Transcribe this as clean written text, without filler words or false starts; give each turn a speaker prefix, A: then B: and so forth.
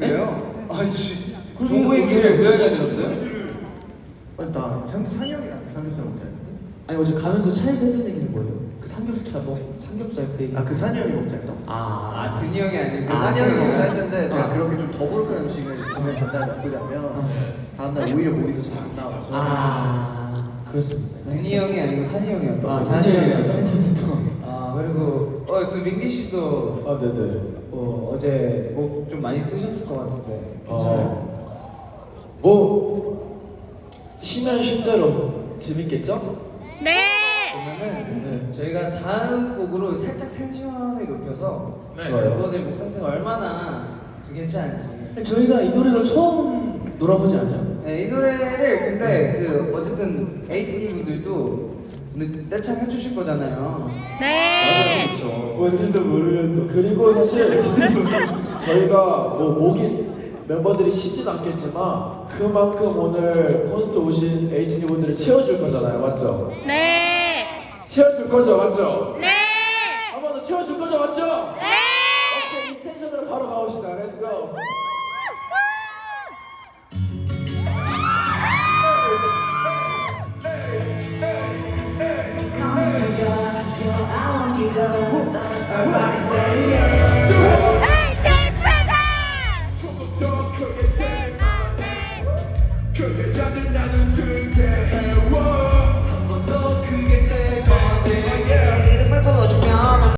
A: 그래요? 동호회 길을 왜 알려드렸어요?
B: 나 산이 형이랑 삼겹살 먹지 않는데?
C: 아니 어제 가면서 차에서 했던 얘기는 뭐예요? 그 삼겹살 그 얘기.
B: 그 산이 형이 먹자 했다?
A: 드니 형이 아니고
B: 산이 형이 먹자 했는데 제가 그렇게 좀 더부룩한 음식을 보면 전날 나쁘자면 다음날 오히려 목이 더 잘 안 나와서
C: 그렇습니다.
A: 드니 형이 아니고 산이 형이었던
B: 산이 형이랑
A: 그리고 또 민기 씨도
C: 네네.
A: 어제 목 좀 많이 쓰셨을 것 같은데 괜찮아요?
C: 뭐 쉬면 쉰 대로 재밌겠죠?
A: 그러면은 저희가 다음 곡으로 살짝 텐션을 높여서
C: 좋아요.
A: 멤버들 목 상태가 얼마나 좀 괜찮은지.
C: 저희가 이 노래로 처음 놀아보지 않아요?
A: 네, 이 노래를 근데 어쨌든 에이티니 분들도 떼창 해주실 거잖아요.
C: 뭔지도 모르면서. 그리고 사실 저희가 뭐 목이 멤버들이 쉬진 않겠지만 그만큼 오늘 콘서트 오신 에이티니 분들을 채워줄 거잖아요, 맞죠?
D: 네.
C: 채워줄 거죠, 맞죠?
D: 네.
C: 한 번 더 채워줄 거죠, 맞죠? 오케이, 이 텐션으로 바로 가봅시다. Let's go.
D: Hey, dance present.
C: 크게 잡는 난